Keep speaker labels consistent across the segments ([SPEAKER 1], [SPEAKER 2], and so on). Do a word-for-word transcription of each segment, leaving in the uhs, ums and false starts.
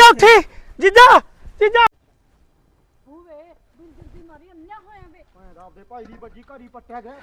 [SPEAKER 1] ਜੀਜਾ ਉੱਠੀ ਜੀਜਾ ਜੀਜਾ
[SPEAKER 2] ਹੋਵੇ ਬਿੰਦਰ ਦੀ ਮਾਰੀ ਅੰਨਿਆ ਹੋਇਆ ਵੇ
[SPEAKER 3] ਮੈਂ ਰੱਬ ਦੇ ਭਾਈ ਦੀ ਵੱਜੀ ਘਰੀ ਪੱਟਿਆ ਗਿਆ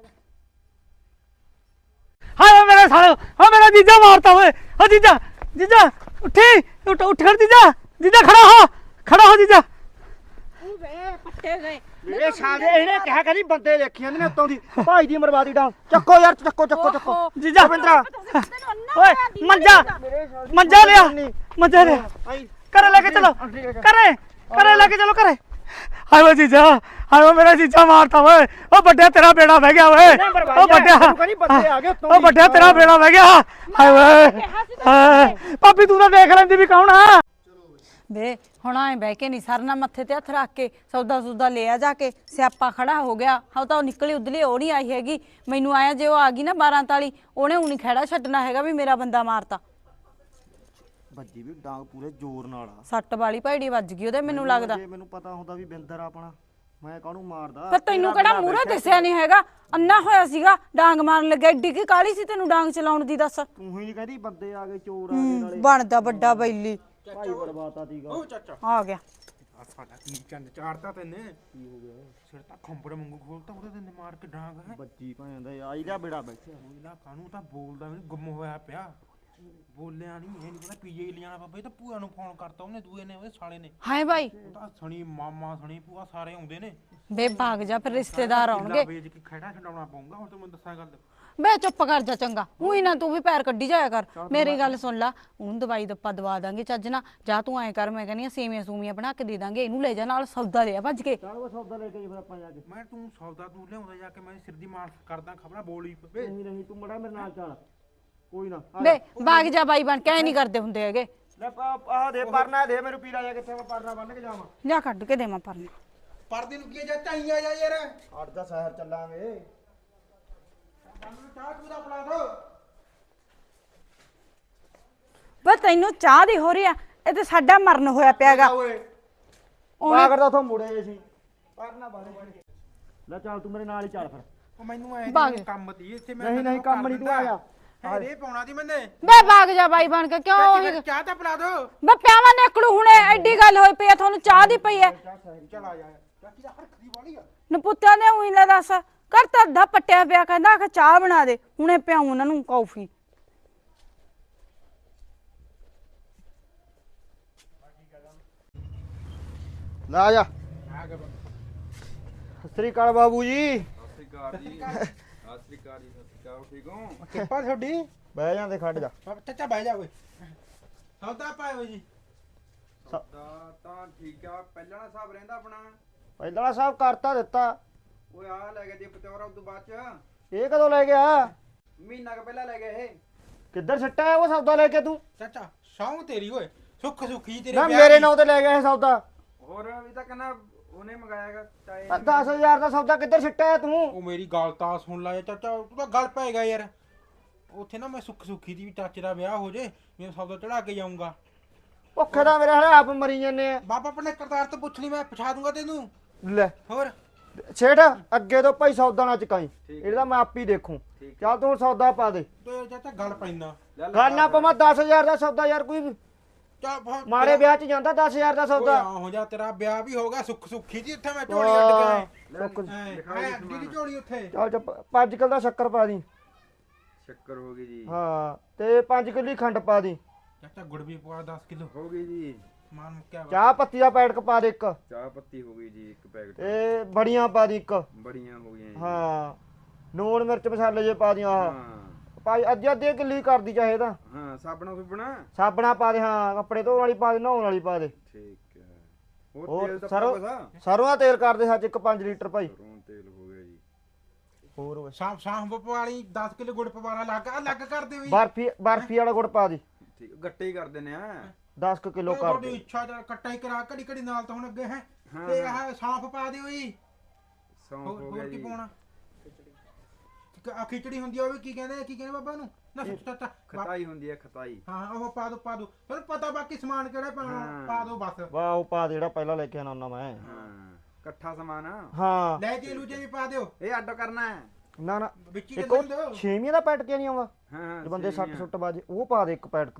[SPEAKER 1] ਹਾਏ ਮੇਰੇ ਸਾਲੇ ਓ ਮੇਰਾ ਜੀਜਾ ਮਾਰਤਾ ਓਏ ਓ ਜੀਜਾ ਜੀਜਾ ਉੱਠੀ ਉੱਠ ਉੱਠ ਖੜ ਜੀਜਾ ਜੀਜਾ ਖੜਾ ਹੋ ਖੜਾ ਹੋ ਜੀਜਾ
[SPEAKER 2] ਹੋਵੇ ਪੱਟੇ ਗਏ
[SPEAKER 3] ਇਹ ਸਾਲੇ ਇਹਨੇ ਕਿਹਾ ਕਰੀ ਬੰਦੇ ਦੇਖੀ ਜਾਂਦੇ ਨੇ ਉੱਤੋਂ ਦੀ ਭਾਈ ਦੀ ਮਰਵਾਦੀ ਡਾਂ ਚੱਕੋ ਯਾਰ ਚੱਕੋ ਚੱਕੋ ਚੱਕੋ
[SPEAKER 1] ਜੀਜਾ
[SPEAKER 3] ਬਿੰਦਰਾ
[SPEAKER 1] ਓਏ ਮੰਜਾ ਮੰਜਾ ਲਿਆ ਮੰਜਾ ਲਿਆ ਘਰੇ ਲੈ ਕੇ ਚਲੋ ਘਰੇ ਘਰੇ ਲੈ ਕੇ ਚਲੋ ਘਰੇ ਹਾਏ ਓ ਜੀਜਾ ਹਾਏ ਓ ਮੇਰਾ ਜੀਜਾ ਮਾਰਤਾ ਓਏ ਓ ਵੱਡਿਆ ਤੇਰਾ ਬੇੜਾ ਵਹਿ ਗਿਆ ਓਏ ਓ ਵੱਡਿਆ
[SPEAKER 3] ਬੰਦੇ ਆ ਗਏ ਉੱਤੋਂ
[SPEAKER 1] ਓ ਵੱਡਿਆ ਤੇਰਾ ਬੇੜਾ ਵਹਿ ਗਿਆ ਹਾਏ ਓਏ ਭਾਬੀ ਤੂੰ ਤਾਂ ਦੇਖ ਲੈਂਦੀ ਵੀ ਕੌਣ ਆ
[SPEAKER 2] ਵੇ ਹੁਣ ਐ ਬਹਿ ਕੇ ਨਹੀਂ ਸਰਨਾ ਮੱਥੇ ਤੇ ਹੱਥ ਰੱਖ ਕੇ ਸੌਦਾ ਸੂਦਾ ਲਿਆ ਜਾ ਕੇ ਸਿਆਪਾ ਖੜਾ ਹੋ ਗਿਆ ਹਾਂ ਤਾਂ ਉਹ ਨਿਕਲੀ ਉਦਲੀ ਉਹ ਨਹੀਂ ਆਈ ਹੈਗੀ ਮੈਨੂੰ ਆਇਆ ਜੇ ਉਹ ਆ ਗਈ ਨਾ ਬਾਰਾਂ ਤਾਲੀ ਉਹਨੇ ਹੁਣੀ ਖੜਾ ਛੱਡਣਾ ਹੈਗਾ ਵੀ ਮੇਰਾ ਬੰਦਾ ਮਾਰਤਾ
[SPEAKER 3] ਵੱਜੀ ਵੀ ਡਾਂਗ ਪੂਰੇ ਜ਼ੋਰ ਨਾਲ ਆ
[SPEAKER 2] ਸੱਟ ਵਾਲੀ ਭੈੜੀ ਵੱਜ ਗਈ ਉਹਦੇ ਮੈਨੂੰ ਲੱਗਦਾ
[SPEAKER 3] ਜੇ ਮੈਨੂੰ ਪਤਾ ਹੁੰਦਾ ਵੀ ਬਿੰਦਰ ਆਪਣਾ ਮੈਂ ਕਾਹਨੂੰ ਮਾਰਦਾ
[SPEAKER 2] ਪਰ ਤੈਨੂੰ ਕਿਹੜਾ ਮੂਹਰੇ ਦਿਸਿਆ ਨਹੀਂ ਹੈਗਾ ਅੰਨਾ ਹੋਇਆ ਸੀਗਾ ਡਾਂਗ ਮਾਰਨ ਲੱਗਿਆ ਏਡੀ ਕੀ ਕਾਲੀ ਸੀ ਤੈਨੂੰ ਡਾਂਗ ਚਲਾਉਣ ਦੀ ਦੱਸ
[SPEAKER 3] ਤੂੰ ਹੀ ਨਹੀਂ ਕਹਿੰਦੀ ਬੰਦੇ ਆ ਗਏ ਚੋਰ ਆ ਗਏ ਨਾਲੇ
[SPEAKER 2] ਬਣਦਾ ਵੱਡਾ ਬੈਲੀ
[SPEAKER 3] ਭਾਈ ਬਰਬਾਤਾ ਸੀਗਾ
[SPEAKER 4] ਓ ਚਾਚਾ
[SPEAKER 2] ਆ ਗਿਆ
[SPEAKER 4] ਆ ਸਾਡਾ ਕੀ ਚੰਨ ਚਾੜਤਾ ਤੈਨੇ ਕੀ ਹੋ ਗਿਆ ਸਿਰ ਤਾਂ ਖੰਬੜ ਵਾਂਗੂ ਖੋਲਤਾ ਉਹਦੇ ਤੇ ਮਾਰ ਕੇ ਡਾਂਗ ਹੈ
[SPEAKER 3] ਬੱਜੀ ਭਾਂ ਦਾ ਆਈ ਜਾ ਬੇੜਾ ਬੈਠਿਆ
[SPEAKER 4] ਉਹ ਇਲਾ ਕਾਨੂੰ ਤਾਂ ਬੋਲਦਾ ਵੀ ਗੁੰਮ ਹੋਇਆ ਪਿਆ ਬੋਲਿਆ ਨਹੀਂ ਇਹ ਨਹੀਂ ਪਤਾ ਪੀਜੇ ਲਿਆਣਾ ਬਾਬਾ ਇਹ ਤਾਂ ਭੂਆ ਨੂੰ ਫੋਨ ਕਰਤਾ ਉਹਨੇ ਦੂਏ ਨੇ ਉਹਦੇ ਸਾਲੇ ਨੇ
[SPEAKER 2] ਹਾਏ ਬਾਈ
[SPEAKER 4] ਉਹ ਤਾਂ ਸਣੀ ਮਾਮਾ ਸਣੀ ਭੂਆ ਸਾਰੇ ਆਉਂਦੇ ਨੇ
[SPEAKER 2] ਬੇ ਭਾਗ ਜਾ ਫਿਰ ਰਿਸ਼ਤੇਦਾਰ ਆਉਣਗੇ
[SPEAKER 4] ਵੇਚ ਕੇ ਖੜਾ ਛਡਾਉਣਾ ਪਊਗਾ ਹੁਣ ਤੂੰ ਮੈਨੂੰ ਦੱਸਾਂ ਗੱਲ
[SPEAKER 2] ਬੇ ਚੁੱਪ ਕਰ ਜਾ ਚੰਗਾ ਉਹੀ ਨਾ ਤੂੰ ਵੀ ਪੈਰ ਕੱਢੀ ਜਾਇਆ ਕਰ ਮੇਰੀ ਗੱਲ ਸੁਣ ਲਾ ਉਹਨੂੰ ਦਵਾਈ ਦੱਪਾ ਦਵਾ ਦਾਂਗੇ ਚੱਜ ਨਾ ਜਾ ਤੂੰ ਐਂ ਕਰ ਮੈਂ ਕਹਿੰਦੀ ਆ ਸੇਵੀਆਂ ਸੂਮੀਆਂ ਬਣਾ ਕੇ ਦੇ ਦਾਂਗੇ ਇਹਨੂੰ ਲੈ ਜਾ ਨਾਲ ਸੌਦਾ ਲਿਆ ਭੱਜ ਕੇ
[SPEAKER 3] ਚੱਲ ਉਹ ਸੌਦਾ ਲੈ ਕੇ ਜੀ ਫਿਰ ਆਪਾਂ ਜਾ ਕੇ
[SPEAKER 4] ਮੈਂ ਤੂੰ ਸੌਦਾ ਤੂੰ ਲਿਆਉਂਦਾ ਜਾ ਕੇ ਮੈਂ ਸਿਰ ਦੀ ਮਾਰ ਕਰਦਾ ਖਬਰਾਂ ਬੋਲੀ ਪਵੇ
[SPEAKER 3] ਨਹੀਂ ਨਹੀਂ ਤੂੰ ਮੜਾ ਮੇਰੇ ਨਾਲ ਚੱਲ ਕੋਈ ਨਾ
[SPEAKER 2] ਬੇ ਭਾਗ ਜਾ ਬਾਈ ਬਣ ਕੇ ਐ ਨਹੀਂ ਕਰਦੇ ਹੁੰਦੇ ਹੈਗੇ
[SPEAKER 3] ਲੈ ਆਹ ਦੇ ਪਰਨਾ ਦੇ ਮੈਨੂੰ ਪੀਲਾ ਜਾ ਕਿੱਥੇ ਮੈਂ ਪਰਨਾ ਬੰਨ ਕੇ ਜਾਵਾਂ
[SPEAKER 2] ਜਾ ਕੱਢ ਕੇ ਦੇਵਾਂ ਪਰਨੇ
[SPEAKER 4] ਪਰਦੇ ਨੂੰ ਕੀ ਜਾ ਚਾਈ ਆ ਜਾ ਯਾਰ
[SPEAKER 3] ਅੱਠ ਦਾ ਸ਼ਹਿਰ ਚੱਲਾਂਗੇ
[SPEAKER 4] ਚਾਹ ਤੂੰ ਦਾ ਬਣਾ ਦੋ
[SPEAKER 2] ਬੇ ਤੈਨੂੰ ਚਾਹ ਦੀ ਹੋ ਰਹੀ ਆ ਇਹ ਤੇ ਸਾਡਾ ਮਰਨ ਹੋਇਆ ਪਿਆਗਾ
[SPEAKER 3] ਓਏ ਪਾ ਕਰਦਾ ਉਥੋਂ ਮੁੜੇ ਸੀ ਪਰਨਾ ਬੰਨ ਲੈ ਚੱਲ ਤੂੰ ਮੇਰੇ ਨਾਲ ਹੀ ਚੱਲ ਫਿਰ
[SPEAKER 4] ਉਹ ਮੈਨੂੰ ਐ
[SPEAKER 2] ਭਾਗ।
[SPEAKER 4] ਕੰਮ ਤੀ ਇੱਥੇ ਮੈਂ
[SPEAKER 3] ਨਹੀਂ ਨਹੀਂ ਕੰਮ ਨਹੀਂ ਤੂੰ ਆਇਆ
[SPEAKER 4] ਹੈ ਰੇ ਪਾਉਣਾ ਦੀ ਮੈਨੇ
[SPEAKER 2] ਬੇ ਭਾਗ ਜਾ ਬਾਈ ਬਣ ਕੇ ਕਿਉਂ ਉਹੀ
[SPEAKER 4] ਚਾਹ ਤਾਂ ਪਿਲਾ ਦੋ
[SPEAKER 2] ਬੇ ਪਿਆਵਾਂ ਨੇਕੜੂ ਹੁਣੇ ਐਡੀ ਗੱਲ ਹੋਈ ਪਈ ਆ ਤੁਹਾਨੂੰ ਚਾਹ ਦੀ ਪਈ ਐ
[SPEAKER 4] ਚਲ ਆ ਜਾ ਚਾਚੀ ਦਾ ਹਰਖਦੀ ਵਾਲੀ ਆ
[SPEAKER 2] ਨਪੁੱਤਿਆਂ ਨੇ ਉਹੀ ਲੈ ਦੱਸ ਕਰ ਤਾਂ ਅੱਧਾ ਪੱਟਿਆ ਪਿਆ ਕਹਿੰਦਾ ਕਿ ਚਾਹ ਬਣਾ ਦੇ ਹੁਣੇ ਪਿਆਉਂ ਉਹਨਾਂ ਨੂੰ ਕੌਫੀ
[SPEAKER 3] ਲੈ ਆ ਜਾ
[SPEAKER 4] ਆ ਗਿਆ
[SPEAKER 3] ਸਤਿ ਸ੍ਰੀ ਅਕਾਲ ਬਾਬੂ ਜੀ
[SPEAKER 5] ਸਤਿਕਾਰ ਜੀ ਸਤਿਕਾਰ ਜੀ ਸਤਿਕਾਰ ਠੀਕ ਹੋ
[SPEAKER 4] ਕਿਰਪਾ ਤੁਹਾਡੀ
[SPEAKER 3] ਬਹਿ ਜਾਂਦੇ ਖੜ ਜਾ
[SPEAKER 4] ਚਾਚਾ ਬਹਿ ਜਾ ਓਏ ਸੌਦਾ ਪਾਇਓ ਜੀ
[SPEAKER 5] ਸੌਦਾ ਤਾਂ ਠੀਕ ਆ ਪਹਿਲਾਂ ਵਾਲਾ ਹਿਸਾਬ ਰਹਿੰਦਾ ਆਪਣਾ
[SPEAKER 3] ਪਹਿਲਾਂ ਸਾਹਿਬ ਕਰਤਾ ਦਿੱਤਾ
[SPEAKER 5] ਓਏ ਆ ਲੈ ਗਿਆ ਜੀ ਪਤੌਰਾ ਉਦੋਂ ਬਾਅਦ ਚ
[SPEAKER 3] ਇਹ ਕਦੋਂ ਲੈ ਗਿਆ
[SPEAKER 5] ਮਹੀਨਾ ਕ ਪਹਿਲਾਂ ਲੈ ਗਿਆ ਇਹ
[SPEAKER 3] ਕਿੱਧਰ ਸਿੱਟਾ ਹੈ ਉਹ ਸੌਦਾ ਲੈ ਕੇ ਤੂੰ
[SPEAKER 4] ਚਾਚਾ ਸੌਂ ਤੇਰੀ ਓਏ ਸੁੱਖ ਸੁੱਖੀ ਤੇਰੇ
[SPEAKER 3] ਨਾ
[SPEAKER 4] ਵਿਆਹ
[SPEAKER 3] ਮੇਰੇ
[SPEAKER 4] ਦੀ।
[SPEAKER 3] ਨਾਂ ਤੇ ਲੈ ਗਿਆ ਇਹ ਸੌਦਾ
[SPEAKER 5] ਹੋਰ ਵੀ ਤਾਂ ਕਹਿੰਦਾ ਉਹਨੇ ਮੰਗਾਇਆਗਾ ਚਾਹੇ
[SPEAKER 3] ਦਸ ਹਜ਼ਾਰ ਦਾ ਸੌਦਾ ਕਿੱਧਰ ਸਿੱਟਾ ਹੈ ਤੂੰ
[SPEAKER 4] ਉਹ ਮੇਰੀ ਗੱਲ ਤਾਂ ਸੁਣ ਲੈ ਚਾਚਾ ਤੂੰ ਤਾਂ ਗੱਲ ਪਏਗਾ ਯਾਰ ਉੱਥੇ ਨਾ ਮੈਂ ਸੁੱਖ ਸੁੱਖੀ ਦੀ ਵੀ ਚਾਚੇ ਦਾ ਵਿਆਹ ਹੋ ਜੇ ਮੈਂ ਸੌਦਾ ਚੜਾ ਕੇ ਜਾਊਂਗਾ
[SPEAKER 3] ਭੁੱਖੇ ਦਾ ਮੇਰੇ ਹਲੇ ਆਪ ਮਰੀ ਜਾਂਦੇ ਆ
[SPEAKER 4] ਬਾਬਾ ਆਪਣੇ ਕਰਤਾਰ ਤੋਂ ਪੁੱਛ ਲਈ ਮੈਂ ਪਛਾ ਦੂੰਗਾ ਤੈਨੂੰ
[SPEAKER 3] ਲੈ
[SPEAKER 4] ਹੋਰ
[SPEAKER 3] ਛੇੜ ਅੱਗੇ ਤੋਂ ਭਾਈ ਸੌਦਾ ਨਾ ਚਕਾਈ ਇਹਦਾ ਮੈਂ ਆਪ ਹੀ ਦੇਖੂ ਚੱਲ ਤੂੰ ਹੁਣ ਸੌਦਾ ਪਾ ਦੇ
[SPEAKER 4] ਤੇ ਚਾਚਾ ਗੱਲ ਪੈਂਦਾ
[SPEAKER 3] ਗੱਲ ਨਾ ਪਵਾਂ ਦਸ ਹਜ਼ਾਰ ਦਾ ਸੌਦਾ ਯਾਰ ਕੋਈ
[SPEAKER 4] ਚੱਲ ਫਿਰ
[SPEAKER 3] ਮਾੜੇ ਵਿਆਹ 'ਚ ਜਾਂਦਾ ਦਸ ਹਜ਼ਾਰ ਦਾ
[SPEAKER 4] ਓਏ
[SPEAKER 3] ਸੌਦਾ
[SPEAKER 4] ਆ ਹੋ ਜਾ ਤੇਰਾ ਵਿਆਹ ਵੀ ਹੋਗਾ ਸੁੱਖ ਸੁੱਖੀ ਦੀ ਉੱਥੇ ਮੈਂ ਝੋਲੀ ਅੱਡ ਕੇ
[SPEAKER 3] ਸੁੱਕ-
[SPEAKER 4] ਮੈਂ ਅੱਡੀ ਦੀ ਝੋਲੀ ਉੱਥੇ
[SPEAKER 3] ਚੱਲ ਚੱਪ ਪੰਜ ਕਿਲੋ ਦਾ ਸ਼ੱਕਰ ਪਾ ਦੀ
[SPEAKER 5] ਸ਼ੱਕਰ ਹੋ ਗਈ ਜੀ
[SPEAKER 3] ਹਾਂ ਤੇ ਪੰਜ ਕਿਲੋ ਹੀ ਖੰਡ ਪਾ ਦੀ
[SPEAKER 4] ਚਾਚਾ ਗੁੜ ਵੀ ਪਵਾ ਦਸ ਕਿਲੋ
[SPEAKER 5] ਹੋ ਗਈ ਜੀ
[SPEAKER 4] ਮਾਨ ਮੁੱਕਿਆ ਵਾ
[SPEAKER 3] ਚਾਹ ਪੱਤੀ ਦਾ ਪੈਕਟ ਪਾ ਦੇ ਇੱਕ
[SPEAKER 5] ਚਾਹ ਪੱਤੀ ਹੋ ਗਈ ਜੀ ਇੱਕ ਪੈਕਟ
[SPEAKER 3] ਤੇ ਬੜੀਆਂ ਪਾ ਦੀ ਇੱਕ
[SPEAKER 5] ਬੜੀਆਂ ਹੋ ਗਈਆਂ ਜੀ
[SPEAKER 3] ਹਾਂ ਨੂਣ ਮਿਰਚ ਮਸਾਲੇ ਜੇ ਪਾ ਦੀਆਂ ਆਹ
[SPEAKER 5] ਹਾਂ
[SPEAKER 3] ਭਾਈ ਅੱਧੀ ਅੱਧੀ ਕਿੱਲੀ ਕਰਦੀ ਚਾਹੇ ਤਾਂ
[SPEAKER 5] ਹਾਂ ਸਾਬਣਾ ਸੁਬਣਾ
[SPEAKER 3] ਸਾਬਣਾ ਪਾ ਦੇ ਹਾਂ ਕੱਪੜੇ ਧੋਣ ਵਾਲੀ ਪਾ ਦੇ ਨਹਾਉਣ ਵਾਲੀ ਪਾ ਦੇ
[SPEAKER 5] ਠੀਕ ਹੈ ਹੋਰ
[SPEAKER 3] ਹੋਰ
[SPEAKER 5] ਤੇਲ ਤਾਂ
[SPEAKER 3] ਸਰੋਂ
[SPEAKER 5] ਪਾ
[SPEAKER 3] ਸਰੋਂ ਦਾ ਤੇਲ ਕਰ ਦੇ ਸੱਚ ਇੱਕ ਪੰਜ ਲੀਟਰ ਭਾਈ
[SPEAKER 5] ਸਰੋਂ ਤੇਲ ਹੋ ਗਿਆ ਜੀ
[SPEAKER 3] ਹੋਰ ਓਏ
[SPEAKER 4] ਸਾਂਭ ਸਾਂਭ ਪਵਾਲੀ ਦਸ ਕਿਲੋ ਗੁੜ ਪਵਾਲਾ ਲੱਗ ਅਲੱਗ ਕਰ ਦੇ ਵੀ
[SPEAKER 3] ਬਰਫੀ ਬਰਫੀ ਵਾਲਾ ਗੁੜ ਪਾ ਦੀ
[SPEAKER 5] ਠੀਕ ਗੱਟੇ ਹੀ ਕਰ ਦਿੰਨੇ ਆ
[SPEAKER 3] ਦਸ ਕਿਲੋ ਕਰ
[SPEAKER 4] ਤੁਹਾਡੀ
[SPEAKER 3] ਦੇ
[SPEAKER 4] ਇੱਛਾ ਜਾਂ ਕੱਟਾ ਹੀ ਕਰਾ ਘੜੀ ਘੜੀ ਨਾਲ ਤਾਂ ਹੁਣ ਅੱਗੇ ਹੈ
[SPEAKER 5] ਹਾਂ,
[SPEAKER 4] ਤੇ
[SPEAKER 5] ਹਾਂ।
[SPEAKER 4] ਆਹ ਸਾਂਫ ਪਾ ਦਿਓ ਜੀ
[SPEAKER 5] ਸੌਂਫ
[SPEAKER 4] ਹੋਰ
[SPEAKER 5] ਹੋ ਗਿਆ
[SPEAKER 4] ਹੋਰ ਕੀ
[SPEAKER 5] ਜੀ
[SPEAKER 4] ਪਾਉਣਾ ਆ ਖਿਚੜੀ ਹੁੰਦੀ ਆ ਉਹ ਵੀ ਕੀ ਕਹਿੰਦੇ ਕੀ ਕਹਿੰਦੇ ਬਾਬਾ ਨੂੰ ਨਾ ਸੱਚ ਚਾਚਾ ਬਾ-
[SPEAKER 5] ਖਤਾਈ ਹੁੰਦੀ ਹੈ ਖਤਾਈ
[SPEAKER 4] ਹਾਂ ਉਹ ਪਾ ਦੋ ਪਾ ਦੋ ਤੁਹਾਨੂੰ ਪਤਾ ਬਾਕੀ ਸਮਾਨ ਕਿਹੜਾ ਪਾਉਣਾ
[SPEAKER 5] ਹਾਂ।
[SPEAKER 4] ਪਾ ਦੋ ਬਸ
[SPEAKER 3] ਵਾਹ ਉਹ ਪਾ ਦੇ ਜਿਹੜਾ ਪਹਿਲਾਂ ਲੈ ਕੇ ਆਣਾ ਹੁੰਦਾ ਮੈਂ
[SPEAKER 5] ਹਾਂ ਇਕੱਠਾ ਸਮਾਨ ਆ।
[SPEAKER 3] ਹਾਂ
[SPEAKER 4] ਲੈ ਜੇ ਲੂਜੇ ਵੀ ਪਾ ਦਿਓ
[SPEAKER 5] ਇਹ ਅੱਡ ਕਰਨਾ ਹੈ
[SPEAKER 3] ਨਾ ਨਾ
[SPEAKER 4] ਵਿੱਚ ਹੀ
[SPEAKER 3] ਇੱਕ
[SPEAKER 4] ਦੇ
[SPEAKER 3] ਉਹ
[SPEAKER 4] ਦਿਓ
[SPEAKER 3] ਛੇਵੀਆਂ ਦਾ ਪੈਟ ਕਿਉਂ ਨਹੀਂ ਆਉਂਦਾ
[SPEAKER 5] ਹਾਂ
[SPEAKER 3] ਜੇ ਬੰਦੇ ਸੱਟ
[SPEAKER 5] ਸੇਵੀਆਂ।
[SPEAKER 3] ਸੁੱਟ ਬਾਜੇ ਉਹ ਪਾ ਦੇ ਇੱਕ ਪੈਟ ਦੋ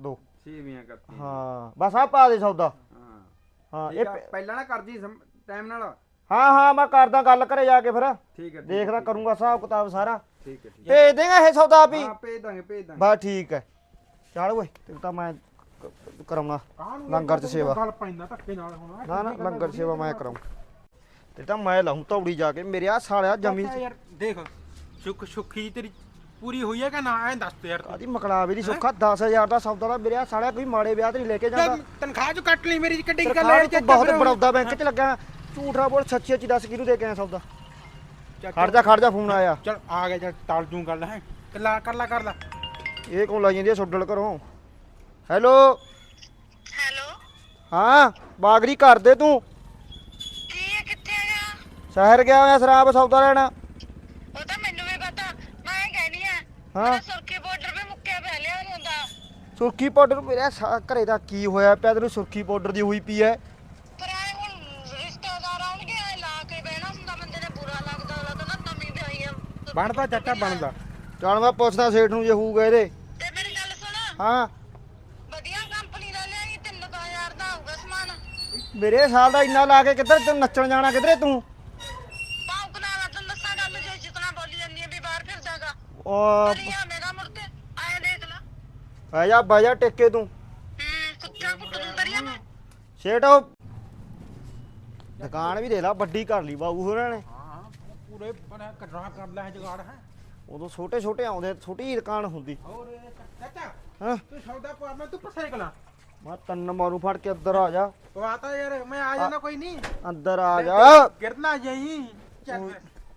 [SPEAKER 5] ਛੇਵੀਆਂ ਕਰਤੀ
[SPEAKER 3] ਹਾਂ ਬਸ ਆ ਪਾ ਦੇ ਸੌਦਾ
[SPEAKER 5] ਹਾਂ
[SPEAKER 3] ਹਾਂ ਇਹ
[SPEAKER 5] ਠੀਕ ਆ
[SPEAKER 3] ਪ-
[SPEAKER 5] ਪਹਿਲਾਂ ਨਾ ਕਰਜੀ ਟਾਈਮ ਨਾਲ
[SPEAKER 3] ਹਾਂ ਹਾਂ ਮੈਂ ਕਰਦਾ ਗੱਲ ਘਰੇ ਜਾ ਕੇ ਫਿਰ
[SPEAKER 5] ਠੀਕ ਹੈ ਠੀਕ
[SPEAKER 3] ਦੇਖਦਾ
[SPEAKER 5] ਹੈ,
[SPEAKER 3] ਕਰੂੰਗਾ ਹਿਸਾਬ ਕਿਤਾਬ ਸਾਰਾ
[SPEAKER 5] ਠੀਕ ਹੈ ਠੀਕ ਹੈ
[SPEAKER 3] ਭੇਜ ਦੇਗਾ ਇਹ ਸੌਦਾ ਵੀ
[SPEAKER 5] ਹਾਂ ਭੇਜ ਦਾਂਗੇ ਭੇਜ ਦਾਂਗੇ
[SPEAKER 3] ਬਸ ਠੀਕ ਹੈ ਚੱਲ ਓਏ ਤੇ ਤਾਂ ਮੈਂ ਕ- ਕਰਾਉਣਾ
[SPEAKER 4] ਕਾਹਨੂੰ
[SPEAKER 3] ਲੰਗਰ ਚ ਸੇਵਾ
[SPEAKER 4] ਗੱਲ ਪੈਂਦਾ ਧੱਕੇ ਨਾਲ ਹੁਣ
[SPEAKER 3] ਨਾ ਨਾ ਲੰਗਰ ਸੇਵਾ ਮੈਂ ਕਰਾਉਂ ਤੇ ਤਾਂ ਮੈਂ ਲਾਉਂ ਤੌੜੀ ਜਾ ਕੇ ਮੇਰੇ ਆ ਸਾਲਿਆ ਜ਼ਮੀਨ
[SPEAKER 4] ਯਾਰ ਦੇਖ ਸੁੱਖ ਸੁੱਖੀ ਤੇਰੀ ਪੂਰੀ ਹੋਈ ਹੈ ਕਿ ਨਾ ਐਂ ਦੱਸ ਤੇ ਯਾਰ ਤੂੰ।
[SPEAKER 3] ਆਦੀ ਮਕਲਾਵੇ ਦੀ ਸੁੱਖਾ ਦਸ ਹਜ਼ਾਰ ਦਾ ਸੌਦਾ ਦਾ ਮੇਰੇ ਆ ਸਾਲਿਆ ਕੋਈ ਮਾੜੇ ਵਿਆਹ ਤੇ ਨਹੀਂ ਲੈ ਕੇ ਜਾਂਦਾ
[SPEAKER 4] ਚੱਲ ਤਨਖਾਹ ਚ ਕੱਟ ਲਈ ਮੇਰੀ ਕਿੱਡੀ ਗੱਲ
[SPEAKER 3] ਤਨਖਾਹ
[SPEAKER 4] ਹੈ
[SPEAKER 3] ਤੂੰ ਬਹੁਤ ਬੜੌਦਾ ਬੈਂਕ ਚ ਲੱਗਾ ਝੂਠ ਨਾ ਬੋਲ ਸੱਚੀ ਸੱਚੀ ਦੱਸ ਕਿਹਨੂੰ ਦੇ ਕੇ ਆਇਆ ਸੌਦਾ ਖੜ ਜਾ ਖੜ ਜਾ ਫੋਨ ਆਇਆ
[SPEAKER 4] ਚਲ ਆ ਗਿਆ ਚਲ ਟਾਲ ਜੂ ਗੱਲ ਹੈ ਕੱਲਾ ਕਰ ਲਾ ਕਰ ਲਾ
[SPEAKER 3] ਇਹ ਕੌਣ ਲਾਈ ਜਾਂਦੀ ਹੈ ਸੋਡਲ ਘਰੋਂ ਹੈਲੋ
[SPEAKER 6] ਹੈਲੋ
[SPEAKER 3] ਹਾਂ ਬਾਗਰੀ ਕਰ ਦੇ ਤੂੰ
[SPEAKER 6] ਕੀ ਹੈ ਕਿੱਥੇ ਹੈਗਾ
[SPEAKER 3] ਸ਼ਹਿਰ ਗਿਆ ਹੋਇਆ ਸ਼ਰਾਬ ਸੌਦਾ ਲੈਣਾ
[SPEAKER 6] ਉਹ ਤਾਂ ਮੈਨੂੰ ਵੀ ਪਤਾ ਮੈਂ ਕਹਿਨੀ ਆ
[SPEAKER 3] ਹਾਂ
[SPEAKER 6] ਹਾਂ ਸੁਰਖੀ ਬਾਰਡਰ 'ਤੇ ਮੁੱਕਿਆ ਪਿਆ ਲਿਆ ਨਹੀਂ ਹੁੰਦਾ
[SPEAKER 3] ਸੁਰਖੀ ਪਾਊਡਰ ਮੇਰੇ ਸਾ- ਘਰੇ ਦਾ ਕੀ ਹੋਇਆ ਪਿਆ ਤੈਨੂੰ ਸੁਰਖੀ ਪਾਊਡਰ ਦੀ ਹੋਈ ਪਈ ਐ
[SPEAKER 6] ਪਰ ਆਏ ਹੁਣ ਰਿਸ਼ਤੇਦਾਰ ਆਉਣਗੇ ਆਏ ਲਾ ਕੇ ਬਹਿਣਾ ਹੁੰਦਾ ਬੰਦੇ ਨੇ ਬੁਰਾ ਲੱਗਦਾ ਉਹਦਾ ਤਾਂ ਨਾ ਨਵੀਂ ਵਿਆਹੀ ਆ
[SPEAKER 4] ਬਣਦਾ ਚਾਚਾ ਬਣਦਾ
[SPEAKER 3] ਚੱਲ ਮੈਂ ਪੁੱਛਦਾ ਸੇਠ ਨੂੰ ਜੇ ਹੋਊਗਾ ਇਹਦੇ
[SPEAKER 6] ਤੇ ਮੇਰੀ ਗੱਲ ਸੁਣ
[SPEAKER 3] ਹਾਂ
[SPEAKER 6] ਵਧੀਆ ਕੰਪਨੀ ਦਾ ਲਿਆਈ ਤਿੰਨ ਹਜ਼ਾਰ ਦਾ ਆਊਗਾ ਸਮਾਨ
[SPEAKER 3] ਮੇਰੇ ਸਾਲ ਦਾ ਇੰਨਾ ਲਾ ਕੇ ਕਿੱਧਰ ਤੂੰ ਨੱਚਣ ਜਾਣਾ ਕਿੱਧਰੇ ਤੂੰ
[SPEAKER 6] ਪਾਉ ਬਣਾ ਲਾ ਤੈਨੂੰ ਦੱਸਾਂ ਗੱਲ ਜੇ ਜਿਤਨਾ ਬੋਲੀ ਜਾਂਦੀ ਹੈ ਵੀ ਬਾਹਰ ਫਿਰਦਾਗਾ
[SPEAKER 3] ਉਹ
[SPEAKER 6] ਕਰੀਆ ਮੇਰਾ ਮੁੜ ਕੇ ਆਏ ਦੇਖ ਲਾ
[SPEAKER 3] ਬਹਿ ਜਾ ਬਹਿ ਜਾ ਟਿੱਕੇ ਤੂੰ
[SPEAKER 6] ਹੂੰ ਕੁੱਤਾ ਕੁੱਟ ਦੂੰ ਕਰੀਆ ਮੈਂ
[SPEAKER 3] ਸੇਠ ਉਹ ਦੁਕਾਨ ਵੀ ਦੇ ਲਾ ਵੱਡੀ ਕਰ ਲਈ ਬਾਬੂ ਹੋਰਾਂ ਨੇ
[SPEAKER 4] ਹਾਂ ਪੂਰੇ ਬਣਾ ਕਟਰਾ ਕਰ ਲੈ ਜਗਾੜ ਹੈ
[SPEAKER 3] ਉਦੋਂ ਛੋਟੇ ਛੋਟੇ ਆਉਂਦੇ ਛੋਟੀ ਜਿਹੀ ਦੁਕਾਨ ਹੁੰਦੀ
[SPEAKER 4] ਹੋਰ ਚਾਚਾ
[SPEAKER 3] ਹਾਂ
[SPEAKER 4] ਤੂੰ ਸੌਦਾ ਪਾ ਮੈਂ ਤੂੰ ਸਾਈਕਲਾਂ
[SPEAKER 3] ਮੈਂ ਤੰਨ ਮਾਰੂ ਫੜ ਕੇ ਅੰਦਰ ਆ ਜਾ
[SPEAKER 4] ਪਵਾਤਾ ਯਾਰ ਮੈਂ ਆ ਜਾਣਾ ਕੋਈ ਨਹੀਂ
[SPEAKER 3] ਅੰਦਰ ਆ ਜਾ
[SPEAKER 4] ਗਿਰਨਾ ਜਾਈ ਚੱਲ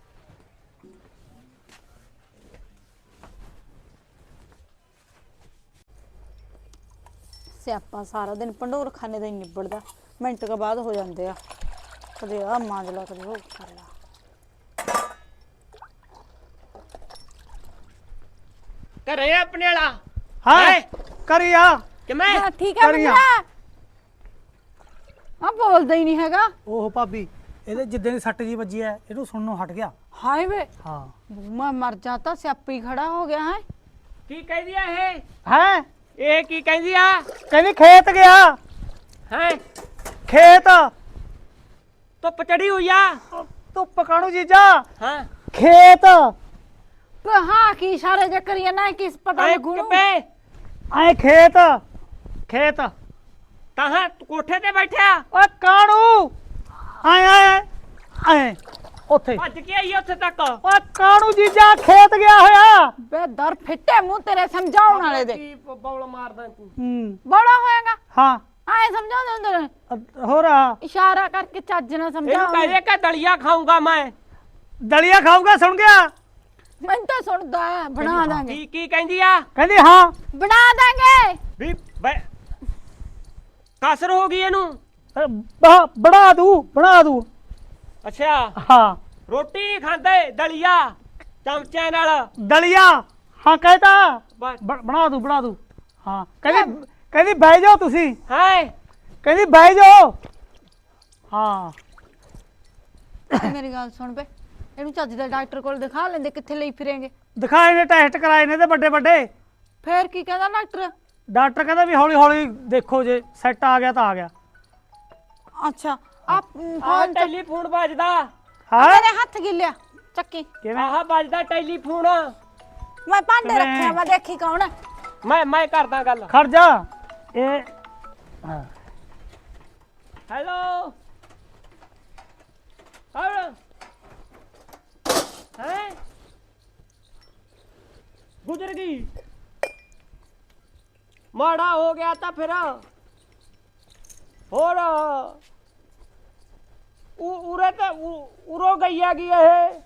[SPEAKER 2] ਸਿਆਪਾ ਸਾਰਾ ਦਿਨ ਭੰਡੋਰ ਖਾਨੇ ਦਾ ਹੀ ਨਿਬੜਦਾ ਮਿੰਟ ਕੁ ਬਾਅਦ ਹੋ ਜਾਂਦੇ ਆ ਕਦੇ ਆ ਮਾਂਜ ਲਾ ਕਦੇ ਉਹ ਕਰ ਲਾ
[SPEAKER 7] ਘਰੇ ਆ ਆਪਣੇ ਵਾਲਾ
[SPEAKER 1] ਹਾਂ ਕਰੀਆ
[SPEAKER 7] ਕਿਵੇਂ
[SPEAKER 2] ਹਾਂ, ਠੀਕ ਹੈ
[SPEAKER 1] ਕਰੀਆਂ।
[SPEAKER 2] ਬੰਦਾ ਆ ਬੋਲਦਾ ਹੀ ਨਹੀਂ ਹੈਗਾ
[SPEAKER 1] ਉਹ ਭਾਬੀ ਇਹਦੇ ਜਿੱਦਾਂ ਦੀ ਸੱਟ ਜੀ ਵੱਜੀ ਐ ਇਹਨੂੰ ਸੁਣਨੋਂ ਹਟ ਗਿਆ
[SPEAKER 2] ਹਾਏ ਵੇ
[SPEAKER 1] ਹਾਂ
[SPEAKER 2] ਮੈਂ ਮਰ ਜਾਤਾ ਸਿਆਪੀ ਖੜਾ ਹੋ ਗਿਆ ਹੈ
[SPEAKER 7] ਕੀ ਕਹਿੰਦੀ ਆ ਇਹ
[SPEAKER 1] ਹੈ
[SPEAKER 7] ਇਹ ਕੀ ਕਹਿੰਦੀ ਆ
[SPEAKER 1] ਕਹਿੰਦੀ ਖੇਤ ਗਿਆ
[SPEAKER 7] ਹੈ
[SPEAKER 1] ਖੇਤ
[SPEAKER 7] ਧੁੱਪ ਚੜੀ ਹੋਈ ਆ
[SPEAKER 1] ਧੁੱਪ ਕਾਣੂ ਜੀਜਾ
[SPEAKER 7] ਹਾਂ
[SPEAKER 1] ਖੇਤ
[SPEAKER 2] ਪਰ ਹਾਂ ਕੀ ਇਸ਼ਾਰੇ ਜੇ ਕਰੀਏ ਨਾ ਕਿਸ ਪਤਾ
[SPEAKER 7] ਐ
[SPEAKER 2] ਲੱਗੂ ਨੂੰ।
[SPEAKER 7] ਕਿਵੇਂ
[SPEAKER 1] ਆਏ ਖੇਤ ਖੇਤ
[SPEAKER 7] ਤਾਹਾਂ ਕੋਠੇ ਤੇ ਬੈਠਿਆ
[SPEAKER 1] ਓਏ ਕਾਣੂ ਆਏ ਆਏ ਆਏ ਉੱਥੇ
[SPEAKER 7] ਭੱਜ ਕੇ ਆਈ ਉੱਥੇ ਤੱਕ
[SPEAKER 1] ਓਏ ਕਾਣੂ ਜੀਜਾ ਖੇਤ ਗਿਆ ਹੋਇਆ
[SPEAKER 2] ਬੇ ਦਰ ਫਿੱਟੇ ਮੂੰਹ ਤੇਰੇ ਸਮਝਾਉਣ ਵਾਲੇ ਦੇ
[SPEAKER 7] ਕੀ ਬੌਲ ਮਾਰਦਾ ਤੂੰ
[SPEAKER 1] ਹੂੰ
[SPEAKER 2] ਬੜਾ ਹੋਏਗਾ
[SPEAKER 1] ਹਾਂ
[SPEAKER 2] ਆਏ ਸਮਝਾਉਂਦੇ ਹੁੰਦੇ ਨੇ
[SPEAKER 1] ਅ- ਹੋਰ ਆ,
[SPEAKER 2] ਇਸ਼ਾਰਾ ਕਰਕੇ ਚੱਜ ਨਾਲ
[SPEAKER 7] ਇਹਨੂੰ
[SPEAKER 2] ਸਮਝਾਓ
[SPEAKER 7] ਕਹਦੇ ਕਿ ਦਲੀਆ ਖਾਊਂਗਾ ਮੈਂ
[SPEAKER 1] ਦਲੀਆ ਖਾਊਗਾ ਸੁਣ ਗਿਆ
[SPEAKER 2] ਮੈਨੂੰ ਤਾਂ ਸੁਣਦਾ ਹੈ, ਬਣਾ ਦਾਂਗੇ
[SPEAKER 7] ਕੀ ਕੀ ਕਹਿੰਦੀ ਆ
[SPEAKER 1] ਕਹਿੰਦੀ ਹਾਂ
[SPEAKER 2] ਬਣਾ ਦਾਂਗੇ
[SPEAKER 7] ਵੀ ਬੈ ਕਸਰ ਹੋ ਗਈ ਇਹਨੂੰ
[SPEAKER 1] ਅ, ਬ- ਬਣਾ ਦੂ ਬਣਾ ਦੂ
[SPEAKER 7] ਅੱਛਾ
[SPEAKER 1] ਹਾਂ
[SPEAKER 7] ਰੋਟੀ ਨੀ ਖਾਂਦੇ ਦਲੀਆ ਚਮਚਿਆਂ ਨਾਲ
[SPEAKER 1] ਦਲੀਆ ਹਾਂ ਕਹਿਤਾ
[SPEAKER 7] ਬਸ
[SPEAKER 1] ਬ- ਬਣਾ ਦੂ ਬਣਾ ਦੂ ਹਾਂ ਕਹਿੰਦੀ ਕਹਿੰਦੀ ਬਹਿ ਜਾਓ ਤੁਸੀਂ
[SPEAKER 7] ਹੈ
[SPEAKER 1] ਕਹਿੰਦੀ ਬਹਿ ਜਾਓ ਹਾਂ
[SPEAKER 2] ਮੇਰੀ ਗੱਲ ਸੁਣ ਬੇ ਇਹਨੂੰ ਚੱਜ ਦਾ ਡਾਕਟਰ ਕੋਲ ਦਿਖਾ ਲੈਂਦੇ ਕਿੱਥੇ ਲਈ ਫਿਰੇਂਗੇ
[SPEAKER 1] ਦਿਖਾਏ ਨੇ ਟੈਸਟ ਕਰਾਏ ਨੇ ਤੇ ਵੱਡੇ ਵੱਡੇ
[SPEAKER 2] ਫੇਰ ਕੀ ਕਹਿੰਦਾ ਡਾਕਟਰ
[SPEAKER 1] ਡਾਕਟਰ ਕਹਿੰਦਾ ਵੀ ਹੌਲੀ ਹੌਲੀ ਦੇਖੋ ਜੇ ਸੈੱਟ ਆ ਗਿਆ ਤਾਂ ਆ ਗਿਆ
[SPEAKER 2] ਅੱਛਾ ਆ
[SPEAKER 7] ਆ
[SPEAKER 2] ਫੋਨ
[SPEAKER 7] ਟੈਲੀਫੋਨ ਵੱਜਦਾ
[SPEAKER 1] ਹਾਂ
[SPEAKER 2] ਮੇਰੇ ਹੱਥ ਗਿੱਲਿਆ ਚੱਕੀ
[SPEAKER 1] ਕਿਵੇਂ
[SPEAKER 7] ਆਹ ਵੱਜਦਾ ਟੈਲੀਫੋਨ
[SPEAKER 2] ਮੈਂ ਭਾਂਡੇ
[SPEAKER 1] ਕਿਵੇਂ?
[SPEAKER 2] ਰੱਖਿਆ ਮੈਂ ਦੇਖੀ ਕੌਣ ਹੈ
[SPEAKER 7] ਮੈਂ ਮੈਂ ਕਰਦਾ ਗੱਲ
[SPEAKER 1] ਖੜ ਜਾ ਇਹ ਹਾਂ
[SPEAKER 7] ਹੈਲੋ ਕੌਣ ਹੈ ਗੁਜ਼ਰ ਗਈ ਮਾੜਾ ਹੋ ਗਿਆ ਤਾਂ ਫਿਰ ਹੋਰ ਉ ਉਰੇ ਤੇ ਉ- ਉਰੋਂ ਗਈ ਹੈਗੀ ਇਹ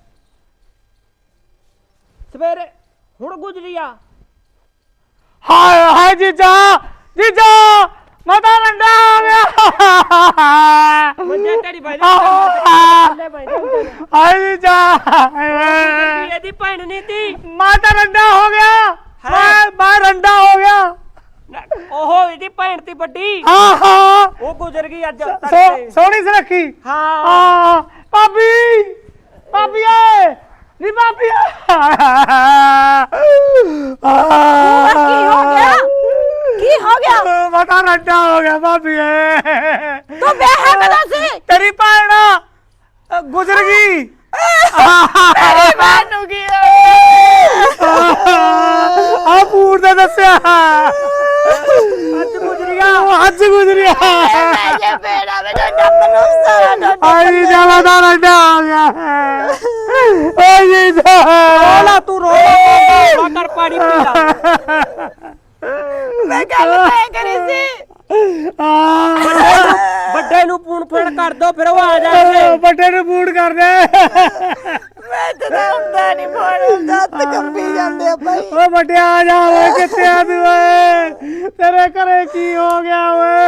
[SPEAKER 7] ਸਵੇਰੇ ਹੁਣ ਗੁਜ਼ਰੀ ਆ
[SPEAKER 1] ਹਾਏ ਹਾਏ ਜੀਜਾ ਜੀਜਾ ਮੈਂ ਤਾਂ ਰੰਡਾ ਹੋ ਗਿਆ
[SPEAKER 7] ਮੰਜੇ ਤੇਰੀ ਬਾਈ
[SPEAKER 1] ਆਹੋ।
[SPEAKER 7] ਲੈ ਬਾਈ ਦੇ
[SPEAKER 1] ਹਾਏ ਜੀਜਾ
[SPEAKER 7] ਇਹਦੀ ਭੈਣ ਨਹੀਂ ਤੀ
[SPEAKER 1] ਮੈਂ ਤਾਂ ਰੰਡਾ ਹੋ ਗਿਆ ਮੈਂ ਮੈਂ ਰੰਡਾ ਹੋ ਗਿਆ
[SPEAKER 7] ਉਹ ਇਹਦੀ ਭੈਣ ਤੀ ਵੱਡੀ
[SPEAKER 1] ਹਾਂ ਹਾਂ
[SPEAKER 7] ਉਹ ਗੁਜ਼ਰ ਗਈ ਅੱਜ
[SPEAKER 1] ਸੋ-
[SPEAKER 7] ਤੜਕੇ।
[SPEAKER 1] ਸੋਹਣੀ ਸੁਰੱਖੀ
[SPEAKER 7] ਹਾਂ
[SPEAKER 1] ਹਾਂ ਭਾਬੀ ਭਾਬੀ ਏ ਨੀ ਭਾਬੀ
[SPEAKER 2] ਕੀ ਹੋ ਗਿਆ ਕੀ ਕੀ ਹੋ ਗਿਆ
[SPEAKER 1] ਬਟਾ ਰੱਡਾ ਹੋ ਗਿਆ ਭਾਬੀ
[SPEAKER 2] ਤੂੰ ਵਿਆਹ ਕਦੋਂ ਸੀ
[SPEAKER 1] ਤੇਰੀ ਭੈਣ ਅ, ਗੁਜ਼ਰ ਗਈ
[SPEAKER 2] ਮੇਰੀ ਭੈਣ ਨੂੰ ਕੀ
[SPEAKER 1] ਆ ਪੂਰ ਦਾ ਦੱਸਿਆ ਅੱਜ ਗੁਜ਼ਰੀਆ ਅੱਜ ਗੁਜ਼ਰੀਆ
[SPEAKER 2] ਮੈਂ ਜੇ ਬੇੜਾ ਵਿੱਚ ਡੱਬ ਨੂੰ ਸਾਰਾ ਡੱਬ
[SPEAKER 1] ਆਈ ਜਾਵਾ ਦਾ ਰੱਡਾ ਹੋ ਗਿਆ ਆਈ ਜਾ
[SPEAKER 7] ਰੋਲਾ ਤੂੰ ਰੋਲਾ ਕਰ ਪਾਣੀ ਪੀ ਲਾ
[SPEAKER 2] ਮੈਂ ਗੱਲ ਤੈਅ ਕਰੀ ਸੀ
[SPEAKER 7] ਵੱਡੇ ਨੂੰ ਫੋਨ ਫੜ ਕਰ ਦੋ ਫਿਰ ਉਹ ਆ ਜਾਣਗੇ
[SPEAKER 1] ਵੱਡੇ ਨੂੰ ਬੂਟ ਕਰ ਦੇ
[SPEAKER 2] ਮੈਂ ਤਾਂ ਹੁੰਦਾ ਨਹੀਂ ਫੋਨ ਹੁੰਦਾ ਹੱਥ ਕੰਬੀ ਜਾਂਦੇ ਆ ਭਾਈ
[SPEAKER 1] ਓ ਵੱਡਿਆ ਆ ਜਾ ਓਏ ਕਿੱਥੇ ਆ ਤੂੰ ਓਏ ਤੇਰੇ ਘਰੇ ਕੀ ਹੋ ਗਿਆ ਓਏ